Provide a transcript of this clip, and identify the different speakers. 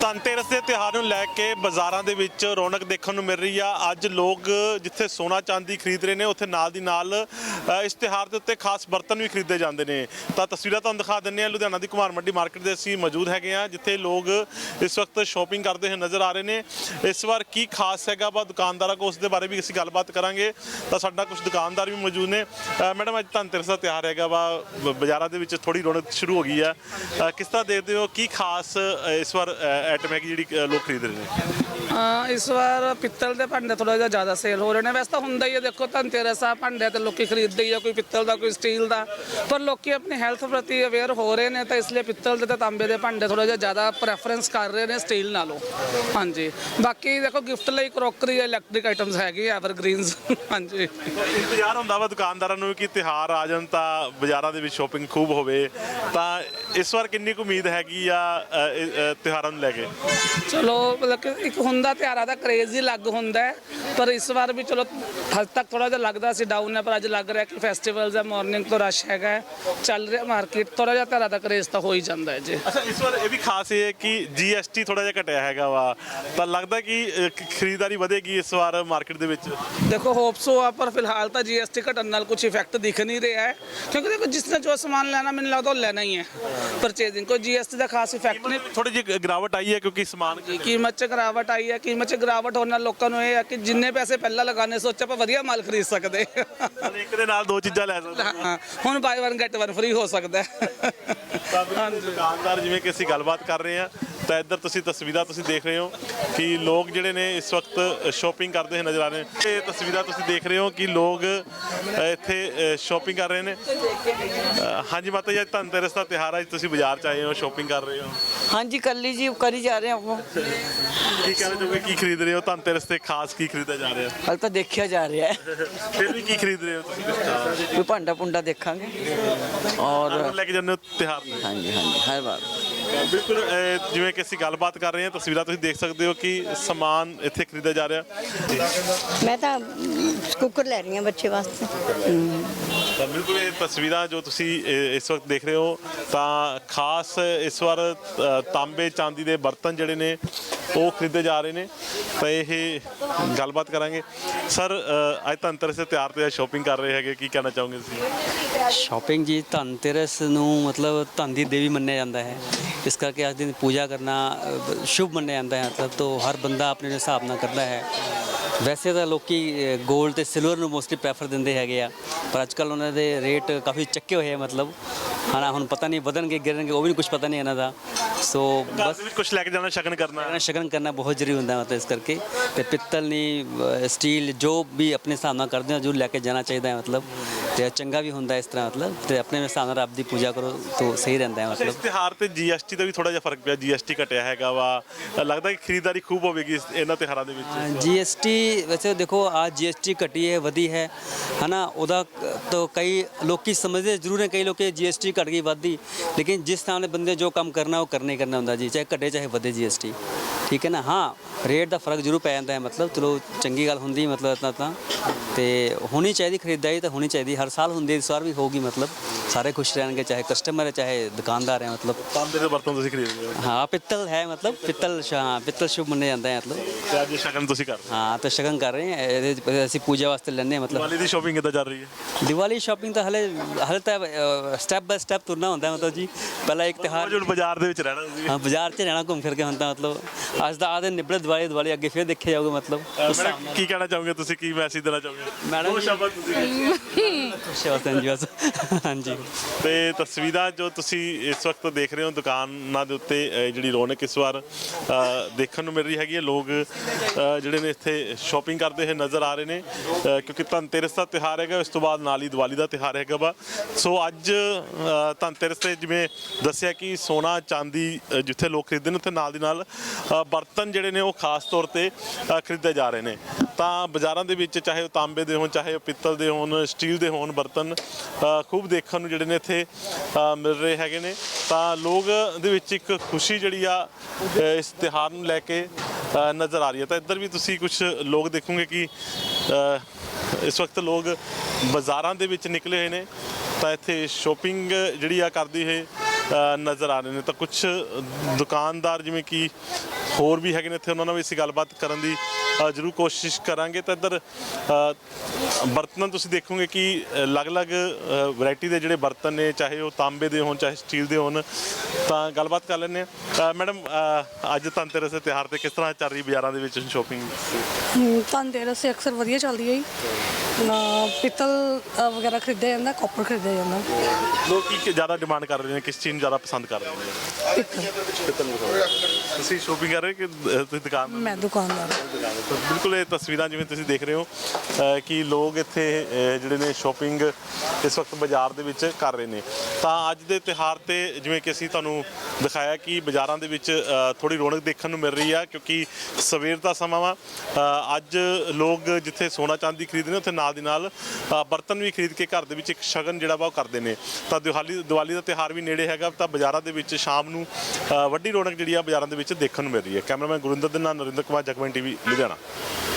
Speaker 1: ਧਨਤੇਰਸ ਦੇ ਤਿਉਹਾਰ ਨੂੰ ਲੈ ਕੇ ਬਾਜ਼ਾਰਾਂ ਦੇ ਵਿੱਚ ਰੌਣਕ ਦੇਖਣ ਨੂੰ ਮਿਲ ਰਹੀ ਆ। ਅੱਜ ਲੋਕ ਜਿੱਥੇ ਸੋਨਾ ਚਾਂਦੀ ਖਰੀਦ ਰਹੇ ਨੇ ਉੱਥੇ ਨਾਲ ਦੀ ਨਾਲ ਇਸ ਤਿਉਹਾਰ ਦੇ ਉੱਤੇ ਖਾਸ ਬਰਤਨ ਵੀ ਖਰੀਦੇ ਜਾਂਦੇ ਨੇ। ਤਾਂ ਤਸਵੀਰਾਂ ਤੁਹਾਨੂੰ ਦਿਖਾ ਦਿੰਦੇ ਆ। ਲੁਧਿਆਣਾ ਦੀ ਕੁਮਾਰ ਮੰਡੀ ਮਾਰਕੀਟ ਦੇ ਅਸੀਂ ਮੌਜੂਦ ਹੈਗੇ ਆ, ਜਿੱਥੇ ਲੋਕ ਇਸ ਵਕਤ ਸ਼ਾਪਿੰਗ ਕਰਦੇ ਹੋਏ ਨਜ਼ਰ ਆ ਰਹੇ ਨੇ। ਇਸ ਵਾਰ ਕੀ ਖਾਸ ਹੈਗਾ ਵਾ ਦੁਕਾਨਦਾਰਾਂ ਕੋਲ, ਉਸ ਦੇ ਬਾਰੇ ਵੀ ਅਸੀਂ ਗੱਲਬਾਤ ਕਰਾਂਗੇ। ਤਾਂ ਸਾਡਾ ਕੁਝ ਦੁਕਾਨਦਾਰ ਵੀ ਮੌਜੂਦ ਨੇ। ਮੈਡਮ, ਅੱਜ ਧਨਤੇਰਸ ਦਾ ਤਿਉਹਾਰ ਹੈਗਾ ਵਾ, ਬਾਜ਼ਾਰਾਂ ਦੇ ਵਿੱਚ ਥੋੜੀ ਰੌਣਕ ਸ਼ੁਰੂ ਹੋ ਗਈ ਆ। ਕਿਸ ਤਰ੍ਹਾਂ ਦੇਖਦੇ ਹੋ, ਕੀ ਖਾਸ ਇਸ ਵਾਰ ਆਈਟਮ ਹੈ ਜਿਹੜੀ ਲੋਕ ਖਰੀਦ ਰਹੇ ਨੇ?
Speaker 2: ਇਸ ਵਾਰ ਪਿੱਤਲ ਦੇ ਭਾਂਡੇ ਥੋੜਾ ਜਿਹਾ ਜ਼ਿਆਦਾ ਸੇਲ ਹੋ ਰਹੇ ਨੇ। ਵੈਸੇ ਤਾਂ ਹੁੰਦਾ ਹੀ ਹੈ, ਦੇਖੋ ਧਨਤੇਰਸ ਆ, ਭਾਂਡੇ ਤੇ ਲੋਕੀ ਖਰੀਦਦੇ ਹੀ ਆ, ਕੋਈ ਪਿੱਤਲ ਦਾ ਕੋਈ ਸਟੀਲ ਦਾ, ਪਰ ਲੋਕੀ ਆਪਣੀ ਹੈਲਥ ਪ੍ਰਤੀ ਅਵੇਅਰ ਹੋ ਰਹੇ ਨੇ, ਤਾਂ ਇਸ ਲਈ ਪਿੱਤਲ ਦੇ ਤੇ ਤਾਂਬੇ ਦੇ ਭਾਂਡੇ ਥੋੜਾ ਜਿਹਾ ਜ਼ਿਆਦਾ ਪ੍ਰੈਫਰੈਂਸ ਕਰ ਰਹੇ ਨੇ ਸਟੀਲ ਨਾਲੋਂ। ਹਾਂਜੀ, ਬਾਕੀ ਦੇਖੋ ਗਿਫਟ ਲਈ ਕਰੋਕਰੀ, ਇਲੈਕਟ੍ਰਿਕ ਆਈਟਮਸ ਹੈਗੀ, ਐਵਰਗ੍ਰੀਨਸ। ਹਾਂਜੀ,
Speaker 1: ਇੰਤਜ਼ਾਰ ਹੁੰਦਾ ਵਾ ਦੁਕਾਨਦਾਰਾਂ ਨੂੰ ਕਿ ਤਿਉਹਾਰ ਆ ਜਾਣ ਤਾਂ ਬਾਜ਼ਾਰਾਂ ਦੇ ਵਿੱਚ ਸ਼ਾਪਿੰਗ ਖੂਬ ਹੋਵੇ। ਤਾਂ ਇਸ ਵਾਰ ਕਿੰਨੀ ਕੁ ਉਮੀਦ ਹੈਗੀ ਆ ਤਿਉਹਾਰਾਂ ਨੂੰ ਲੈ ਕੇ?
Speaker 2: ਚਲੋ ਮਤਲਬ ਕਿ ਇੱਕ ਹੁੰਦਾ ਤਿਉਹਾਰਾਂ ਦਾ ਕਰੇਜ਼ ਹੀ ਅਲੱਗ ਹੁੰਦਾ ਹੈ, ਪਰ ਇਸ ਵਾਰ ਵੀ ਚਲੋ ਹਜੇ ਤੱਕ ਥੋੜਾ ਜਿਹਾ ਲੱਗਦਾ ਸੀ ਡਾਊਨ ਹੈ, ਪਰ ਅੱਜ ਲੱਗ ਰਿਹਾ ਕਿ ਫੈਸਟੀਵਲਸ ਹੈ, ਮਾਰਨਿੰਗ ਤੋਂ ਰਸ਼ ਹੈਗਾ, ਚੱਲ ਰਿਹਾ ਮਾਰਕੀਟ, ਥੋੜਾ ਜਿਹਾ ਤਿਉਹਾਰਾਂ ਦਾ ਕਰੇਜ਼ ਤਾਂ ਹੋ ਹੀ ਜਾਂਦਾ ਹੈ ਜੀ।
Speaker 1: ਅੱਛਾ, ਇਸ ਵਾਰ ਇਹ ਵੀ ਖਾਸ ਹੈ ਕਿ GST ਥੋੜਾ ਜਿਹਾ ਘਟਿਆ ਹੈਗਾ ਵਾ, ਤਾਂ ਲੱਗਦਾ ਕਿ ਖਰੀਦਦਾਰੀ ਵਧੇਗੀ ਇਸ ਵਾਰ ਮਾਰਕੀਟ ਦੇ ਵਿੱਚ?
Speaker 2: ਦੇਖੋ ਹੋਪਸੋ ਆ, ਪਰ ਫਿਲਹਾਲ ਤਾਂ GST ਘਟਣ ਨਾਲ ਕੁਝ ਇਫੈਕਟ ਦਿਖ ਨਹੀਂ ਰਿਹਾ ਹੈ, ਕਿਉਂਕਿ ਦੇਖੋ ਜਿਸ ਨੇ ਜੋ ਸਮਾਨ ਲੈਣਾ ਮੈਨੂੰ ਲੱਗਦਾ ਉਹ ਲੈਣਾ ਹੀ ਹੈ। ਪਰਚੇਜ਼ਿੰਗ ਕੋਈ GST ਦਾ ਖਾਸ ਇਫੈਕਟ ਨਹੀਂ।
Speaker 1: ਥੋੜੀ ਜਿਹੀ ਗਿਰਾਵਟ ਆਈ ਹੈ ਕਿਉਂਕਿ ਸਮਾਨ
Speaker 2: ਕੀਮਤ 'ਚ ਗਿਰਾਵਟ ਆਈ ਹੈ। ਕੀਮਤ 'ਚ ਗਿਰਾਵਟ ਹੋਣ ਨਾਲ ਲੋਕਾਂ ਨੂੰ ਇਹ ਹੈ ਕਿ ਜਿੰਨੇ ਪੈਸੇ ਪਹਿਲਾਂ ਲਗਾਉਣੇ ਸੋਚਿਆ ਆਪਾਂ ਵਧੀਆ ਮਾਲ ਖਰੀਦ ਸਕਦੇ,
Speaker 1: ਇੱਕ ਦੇ ਨਾਲ ਦੋ ਚੀਜ਼ਾਂ ਲੈ ਸਕਦੇ।
Speaker 2: ਹਾਂ, ਹੁਣ ਬਾਈ 1 ਗੈਟ 1 ਫ੍ਰੀ ਹੋ ਸਕਦਾ ਹੈ।
Speaker 1: ਦੁਕਾਨਦਾਰ ਜਿਵੇਂ ਕਿ ਅਸੀਂ ਗੱਲਬਾਤ ਕਰ ਰਹੇ ਹਾਂ, ਤਾਂ ਇੱਧਰ ਤੁਸੀਂ ਤਸਵੀਰਾਂ ਤੁਸੀਂ ਦੇਖ ਰਹੇ ਹੋ ਕਿ ਲੋਕ ਜਿਹੜੇ ਨੇ ਇਸ ਵਕਤ ਸ਼ਾਪਿੰਗ ਕਰਦੇ ਹੋਏ ਨਜ਼ਰ ਆ ਰਹੇ ਨੇ। ਇਹ ਤਸਵੀਰਾਂ ਤੁਸੀਂ ਦੇਖ ਰਹੇ ਹੋ ਕਿ ਲੋਕ ਇੱਥੇ ਸ਼ਾਪਿੰਗ ਕਰ ਰਹੇ ਨੇ। ਹਾਂਜੀ ਮਾਤਾ ਜੀ, ਧਨਤੇਰਸ ਦਾ ਤਿਉਹਾਰ, ਅੱਜ ਤੁਸੀਂ ਬਾਜ਼ਾਰ 'ਚ ਆਏ ਹੋ, ਸ਼ਾਪਿੰਗ ਕਰ ਰਹੇ ਹੋ?
Speaker 3: ਹਾਂਜੀ, ਕੱਲੀ ਜੀ ਕਰੀ ਜਾ ਰਹੇ ਆਪਾਂ।
Speaker 1: ਕੀ ਕਹਿਣਾ ਚਾਹੋਗੇ, ਕੀ ਖਰੀਦ ਰਹੇ ਹੋ ਧਨਤੇਰਸ ਤੇ? ਖਾਸ ਕੀ ਖਰੀਦਿਆ ਜਾ ਰਿਹਾ?
Speaker 3: ਹਾਲੇ ਤਾਂ ਦੇਖਿਆ ਜਾ ਰਿਹਾ ਹੈ।
Speaker 1: ਫਿਰ ਵੀ ਕੀ ਖਰੀਦ ਰਹੇ ਹੋ ਤੁਸੀਂ?
Speaker 3: ਕੋਈ ਭਾਂਡਾ ਪੁੰਡਾ ਦੇਖਾਂਗੇ ਔਰ
Speaker 1: ਲੈ ਕੇ ਜਾਂਦੇ ਹੋ ਤਿਉਹਾਰ ਨੂੰ?
Speaker 3: ਹਾਂਜੀ ਹਾਂਜੀ, ਹਰ ਵਾਰ
Speaker 1: ਬਿਲਕੁਲ। ਜਿਵੇਂ ਕਿ ਅਸੀਂ ਗੱਲਬਾਤ ਕਰ ਰਹੇ ਹਾਂ, ਤਸਵੀਰਾਂ ਤੁਸੀਂ ਦੇਖ ਸਕਦੇ ਹੋ ਕਿ ਸਮਾਨ ਇੱਥੇ ਖਰੀਦਿਆ ਜਾ ਰਿਹਾ।
Speaker 4: ਮੈਂ ਤਾਂ ਕੁੱਕਰ ਲੈ ਰਹੀ ਹਾਂ ਬੱਚੇ ਵਾਸਤੇ।
Speaker 1: ਤਾਂ ਬਿਲਕੁਲ ਇਹ ਤਸਵੀਰਾਂ ਜੋ ਤੁਸੀਂ ਇਸ ਵਕਤ ਦੇਖ ਰਹੇ ਹੋ, ਤਾਂ ਖਾਸ ਇਸ ਵਾਰ ਤਾਂਬੇ ਚਾਂਦੀ ਦੇ ਬਰਤਨ ਜਿਹੜੇ ਨੇ ਉਹ ਖਰੀਦੇ ਜਾ ਰਹੇ ਨੇ। ਤਾਂ ਇਹ ਗੱਲਬਾਤ ਕਰਾਂਗੇ। ਸਰ, ਅੱਜ ਧਨਤੇਰਸ ਦੇ ਤਿਉਹਾਰ ਤੇ ਸ਼ਾਪਿੰਗ ਕਰ ਰਹੇ ਹੈਗੇ, ਕੀ ਕਹਿਣਾ ਚਾਹੋਗੇ ਤੁਸੀਂ?
Speaker 5: ਸ਼ਾਪਿੰਗ ਜੀ, ਧਨਤੇਰਸ ਨੂੰ ਮਤਲਬ ਧਨ ਦੀ ਦੇਵੀ ਮੰਨਿਆ ਜਾਂਦਾ ਹੈ, ਇਸ ਕਰਕੇ ਅੱਜ ਦਿਨ ਪੂਜਾ ਕਰਨਾ ਸ਼ੁਭ ਮੰਨਿਆ ਜਾਂਦਾ ਹੈ। ਮਤਲਬ ਤਾਂ ਹਰ ਬੰਦਾ ਆਪਣੇ ਹਿਸਾਬ ਨਾਲ ਕਰਦਾ ਹੈ। ਵੈਸੇ ਤਾਂ ਲੋਕੀ ਗੋਲਡ ਤੇ ਸਿਲਵਰ ਨੂੰ ਮੋਸਟਲੀ ਪ੍ਰੈਫਰ ਦਿੰਦੇ ਹੈਗੇ ਆ, ਪਰ ਅੱਜ ਕੱਲ੍ਹ ਉਹਨਾਂ ਦੇ ਰੇਟ ਕਾਫੀ ਚੱਕੇ ਹੋਏ ਆ। ਮਤਲਬ ਹਾਂ, ਹੁਣ ਪਤਾ ਨਹੀਂ ਵਧਣਗੇ ਗਿਰਨਗੇ, ਉਹ ਵੀ ਕੁਝ ਪਤਾ ਨਹੀਂ ਇਹਨਾਂ ਦਾ। ਸੋ ਬਸ
Speaker 1: ਕੁਝ ਲੈ ਕੇ ਜਾਣਾ, ਸ਼ਗਨ ਕਰਨਾ,
Speaker 5: ਸ਼ਗਨ ਕਰਨਾ ਬਹੁਤ ਜ਼ਰੂਰੀ ਹੁੰਦਾ। ਮਤਲਬ ਇਸ ਕਰਕੇ ਤੇ ਪਿੱਤਲ ਨਹੀਂ, ਸਟੀਲ ਜੋ ਵੀ ਆਪਣੇ ਹਿਸਾਬ ਨਾਲ ਕਰਦੇ ਹੋ, ਜ਼ਰੂਰ ਲੈ ਕੇ ਜਾਣਾ ਚਾਹੀਦਾ ਹੈ। ਮਤਲਬ ਤੇ ਚੰਗਾ ਵੀ ਹੁੰਦਾ ਇਸ ਤਰ੍ਹਾਂ। ਮਤਲਬ ਤੇ ਆਪਣੇ ਹਿਸਾਬ ਨਾਲ ਰੱਬ ਦੀ ਪੂਜਾ ਕਰੋ ਤਾਂ ਸਹੀ ਰਹਿੰਦਾ ਹੈ। ਮਤਲਬ
Speaker 1: ਇਸ ਤਿਉਹਾਰ ਤੇ GST ਦਾ ਵੀ ਥੋੜਾ ਜਿਹਾ ਫਰਕ ਪਿਆ, GST ਘਟਿਆ ਹੈਗਾ ਵਾ, ਲੱਗਦਾ ਕਿ ਖਰੀਦਦਾਰੀ ਖੂਬ ਹੋਵੇਗੀ ਇਹਨਾਂ ਤਿਉਹਾਰਾਂ ਦੇ ਵਿੱਚ?
Speaker 5: GST ਵੈਸੇ ਦੇਖੋ, आज GST ਘਟੀ ਹੈ, ਵਧੀ ਹੈ ਨਾ। ਉਹਦਾ ਤਾਂ ਕਈ ਲੋਕੀ ਸਮਝਦੇ ਜ਼ਰੂਰ ਹੈ, ਕਈ ਲੋਕੀ GST ਘਟ ਗਈ ਵੱਧਦੀ, ਲੇਕਿਨ ਜਿਸ ਤਰ੍ਹਾਂ ਦੇ ਬੰਦੇ ਜੋ ਕੰਮ ਕਰਨਾ ਉਹ ਕਰਨਾ ਹੀ ਕਰਨਾ ਹੁੰਦਾ ਜੀ, ਚਾਹੇ ਘਟੇ ਚਾਹੇ ਵਧੇ GST, ਠੀਕ ਹੈ ਨਾ। ਹਾਂ, ਰੇਟ ਦਾ ਫਰਕ ਜ਼ਰੂਰ ਪੈ ਜਾਂਦਾ ਹੈ। ਮਤਲਬ ਚਲੋ ਚੰਗੀ ਗੱਲ ਹੁੰਦੀ, ਮਤਲਬ ਇੱਦਾਂ ਤਾਂ ਤੇ ਹੋਣੀ ਚਾਹੀਦੀ, ਖਰੀਦਦਾਰੀ ਤਾਂ ਹੋਣੀ ਚਾਹੀਦੀ, ਹਰ ਸਾਲ ਹੁੰਦੀ, ਇਸ ਵਾਰ ਵੀ ਹੋਊਗੀ। ਮਤਲਬ ਸਾਰੇ ਖੁਸ਼ ਰਹਿਣਗੇ, ਚਾਹੇ ਕਸਟਮਰ ਹੈ ਚਾਹੇ ਦੁਕਾਨਦਾਰ ਹੈ। ਮਤਲਬ
Speaker 1: ਤਾਂਬੇ ਦੇ ਬਰਤਨ ਤੁਸੀਂ ਖਰੀਦ ਰਹੇ ਹੋ?
Speaker 5: ਹਾਂ, ਪਿੱਤਲ ਹੈ, ਮਤਲਬ ਪਿੱਤਲ ਸ਼ੁਭ ਮੰਨਿਆ ਜਾਂਦਾ ਹੈ। ਮਤਲਬ
Speaker 1: ਤੇ ਅੱਜ ਸ਼ਗਨ ਤੁਸੀਂ ਕਰ ਰਹੇ ਹੋ?
Speaker 5: ਹਾਂ, ਤਾਂ ਸ਼ਗਨ ਕਰ ਰਹੇ ਹਾਂ, ਅਸੀਂ ਪੂਜਾ ਵਾਸਤੇ ਲੈਂਦੇ ਹਾਂ। ਮਤਲਬ
Speaker 1: ਦੀਵਾਲੀ ਦੀ ਸ਼ਾਪਿੰਗ ਕਿੱਦਾਂ ਚੱਲ ਰਹੀ ਹੈ?
Speaker 5: ਦੀਵਾਲੀ ਸ਼ਾਪਿੰਗ ਤਾਂ ਹਲੇ ਤਾਂ ਸਟੈਪ ਬਾਏ ਸਟੈਪ ਤੁਰਨਾ ਹੁੰਦਾ। ਮਤਲਬ ਜੀ ਪਹਿਲਾਂ ਇੱਕ ਤਿਉਹਾਰ,
Speaker 1: ਹੁਣ ਬਾਜ਼ਾਰ ਦੇ ਵਿੱਚ ਰਹਿਣਾ ਸੀ।
Speaker 5: ਹਾਂ, ਬਾਜ਼ਾਰ 'ਚ ਰਹਿਣਾ ਘੁੰਮ ਫਿਰ ਕੇ ਹੁੰਦਾ। ਮਤਲਬ ਅੱਜ ਦਾ ਦਿਨ ਨਿਬੜੇ, ਦੀਵਾਲੀ ਅੱਗੇ ਫਿਰ ਦੇਖਿਆ ਜਾਊਗਾ। ਮਤਲਬ
Speaker 1: ਕੀ ਕਹਿਣਾ ਚਾਹੋਗੇ ਤੁਸੀਂ, ਕੀ ਮੈਸੇਜ ਦੇਣਾ ਚਾਹੋਗੇ?
Speaker 5: ਮੈਡਮ
Speaker 1: ਸ਼ਬਦ
Speaker 5: ਜੀ, ਹਾਂਜੀ।
Speaker 1: ਤੇ ਤਸਵੀਰਾਂ ਜੋ ਤੁਸੀਂ ਇਸ ਵਕਤ ਦੇਖ ਰਹੇ ਹੋ ਦੁਕਾਨਾਂ ਦੇ ਉੱਤੇ, ਜਿਹੜੀ ਰੌਣਕ ਇਸ ਵਾਰ ਦੇਖਣ ਨੂੰ ਮਿਲ ਰਹੀ ਹੈਗੀ ਹੈ। ਲੋਕ ਜਿਹੜੇ ਨੇ ਇੱਥੇ ਸ਼ਾਪਿੰਗ ਕਰਦੇ ਹੋਏ ਨਜ਼ਰ ਆ ਰਹੇ ਨੇ, ਕਿਉਂਕਿ ਧਨਤੇਰਸ ਦਾ ਤਿਉਹਾਰ ਹੈਗਾ, ਇਸ ਤੋਂ ਬਾਅਦ ਨਾਲ ਹੀ ਦੀਵਾਲੀ ਦਾ ਤਿਉਹਾਰ ਹੈਗਾ ਵਾ। ਸੋ ਅੱਜ ਧਨਤੇਰਸ ਤੇ ਜਿਵੇਂ ਦੱਸਿਆ ਕਿ ਸੋਨਾ ਚਾਂਦੀ ਜਿੱਥੇ ਲੋਕ ਖਰੀਦਦੇ ਨੇ, ਉੱਥੇ ਨਾਲ ਦੀ ਨਾਲ ਬਰਤਨ ਜਿਹੜੇ ਨੇ ਉਹ ਖਾਸ ਤੌਰ ਤੇ ਖਰੀਦੇ ਜਾ ਰਹੇ ਨੇ। ਤਾਂ ਬਾਜ਼ਾਰਾਂ ਦੇ ਵਿੱਚ ਚਾਹੇ ਉਹ ਤਾਂਬੇ ਦੇ ਹੋਣ, ਚਾਹੇ ਉਹ ਪਿੱਤਲ ਦੇ ਹੋਣ, ਸਟੀਲ ਦੇ ਹੋਣ, ਬਰਤਨ ਖੂਬ ਦੇਖਣ ਨੂੰ ਜਿਹੜੇ ਨੇ ਇੱਥੇ ਮਿਲ ਰਹੇ ਹੈਗੇ ਨੇ। ਤਾਂ ਲੋਕ ਦੇ ਵਿੱਚ ਇੱਕ ਖੁਸ਼ੀ ਜਿਹੜੀ ਆ ਇਸ ਤਿਉਹਾਰ ਨੂੰ ਲੈ ਕੇ ਨਜ਼ਰ ਆ ਰਹੀ ਹੈ। ਤਾਂ ਇੱਧਰ ਵੀ ਤੁਸੀਂ ਕੁਝ ਲੋਕ ਦੇਖੋਗੇ ਕਿ ਇਸ ਵਕਤ ਲੋਕ ਬਾਜ਼ਾਰਾਂ ਦੇ ਵਿੱਚ ਨਿਕਲੇ ਹੋਏ ਨੇ, ਤਾਂ ਇੱਥੇ ਸ਼ਾਪਿੰਗ ਜਿਹੜੀ ਆ ਕਰਦੀ ਹੋਏ ਨਜ਼ਰ ਆ ਰਹੇ ਨੇ। ਤਾਂ ਕੁਝ ਦੁਕਾਨਦਾਰ ਜਿਵੇਂ ਕਿ ਹੋਰ ਵੀ ਹੈਗੇ ਨੇ ਇੱਥੇ, ਉਹਨਾਂ ਨਾਲ ਵੀ ਅਸੀਂ ਗੱਲਬਾਤ ਕਰਨ ਦੀ ਜ਼ਰੂਰ ਕੋਸ਼ਿਸ਼ ਕਰਾਂਗੇ। ਤਾਂ ਇੱਧਰ ਬਰਤਨ ਤੁਸੀਂ ਦੇਖੋਗੇ ਕਿ ਅਲੱਗ-ਅਲੱਗ ਵੈਰਾਈਟੀ ਦੇ ਜਿਹੜੇ ਬਰਤਨ ਨੇ, ਚਾਹੇ ਉਹ ਤਾਂਬੇ ਦੇ ਹੋਣ ਚਾਹੇ ਸਟੀਲ ਦੇ ਹੋਣ। ਤਾਂ ਗੱਲਬਾਤ ਕਰ ਲੈਂਦੇ ਹਾਂ। ਮੈਡਮ, ਅੱਜ ਧਨਤੇਰਸ ਦੇ ਤਿਉਹਾਰ ਤੇ ਕਿਸ ਤਰ੍ਹਾਂ ਚੱਲ ਰਹੀ ਬਾਜ਼ਾਰਾਂ ਦੇ ਵਿੱਚ ਸ਼ੋਪਿੰਗ?
Speaker 6: ਧਨਤੇਰਸ ਤੇ ਅਕਸਰ ਵਧੀਆ ਚੱਲਦੀ ਹੈ ਜੀ। ਪਿੱਤਲ ਵਗੈਰਾ ਖਰੀਦਿਆ ਜਾਂਦਾ, ਕਾਪਰ ਖਰੀਦਿਆ ਜਾਂਦਾ।
Speaker 1: ਲੋਕ ਕੀ ਜ਼ਿਆਦਾ ਡਿਮਾਂਡ ਕਰ ਰਹੇ ਨੇ, ਕਿਸ ਚੀਜ਼ ਨੂੰ ਜ਼ਿਆਦਾ ਪਸੰਦ ਕਰ ਰਹੇ ਨੇ?
Speaker 6: ਪਿੱਤਲ।
Speaker 1: ਤੁਸੀਂ ਸ਼ੋਪਿੰਗ ਕਰ ਰਹੇ ਕਿ ਤੁਸੀਂ ਦੁਕਾਨ?
Speaker 6: ਮੈਂ ਦੁਕਾਨਦਾਰ।
Speaker 1: ਤਾਂ ਬਿਲਕੁਲ ਇਹ ਤਸਵੀਰਾਂ ਜਿਵੇਂ ਤੁਸੀਂ ਦੇਖ ਰਹੇ ਹੋ ਕਿ ਲੋਕ ਇੱਥੇ ਜਿਹੜੇ ਨੇ ਸ਼ੋਪਿੰਗ ਇਸ ਵਕਤ ਬਾਜ਼ਾਰ ਦੇ ਵਿੱਚ ਕਰ ਰਹੇ ਨੇ। ਤਾਂ ਅੱਜ ਦੇ ਤਿਉਹਾਰ ਤੇ ਜਿਵੇਂ ਕਿ ਅਸੀਂ ਤੁਹਾਨੂੰ ਦਿਖਾਇਆ ਕਿ ਬਾਜ਼ਾਰਾਂ ਦੇ ਵਿੱਚ ਥੋੜੀ ਰੌਣਕ ਦੇਖਣ ਨੂੰ ਮਿਲ ਰਹੀ ਆ, ਕਿਉਂਕਿ ਸਵੇਰ ਦਾ ਸਮਾਂ ਵਾ। ਅੱਜ ਲੋਕ ਜਿੱਥੇ ਸੋਨਾ ਚਾਂਦੀ ਖਰੀਦਦੇ ਨੇ, ਉੱਥੇ ਨਾਲ ਦੀ ਨਾਲ ਬਰਤਨ ਵੀ ਖਰੀਦ ਕੇ ਘਰ ਦੇ ਵਿੱਚ ਇੱਕ ਸ਼ਗਨ ਜਿਹੜਾ ਵਾ ਉਹ ਕਰਦੇ ਨੇ। ਤਾਂ ਦੀਵਾਲੀ ਦਾ ਤਿਉਹਾਰ ਵੀ ਨੇੜੇ ਹੈਗਾ, ਤਾਂ ਬਾਜ਼ਾਰਾਂ ਦੇ ਵਿੱਚ ਸ਼ਾਮ ਨੂੰ ਵੱਡੀ ਰੌਣਕ ਜਿਹੜੀ ਆ ਬਾਜ਼ਾਰਾਂ ਦੇ ਵਿੱਚ ਦੇਖਣ ਨੂੰ ਮਿਲ ਰਹੀ ਹੈ। ਕੈਮਰਾਮੈਨ ਗੁਰਿੰਦਰ ਦੇ ਨਾਲ ਨਰਿੰਦਰ ਕੁਮਾਰ, ਜਗਬਾਣੀ ਟੀਵੀ, ਲੁਧਿਆਣਾ।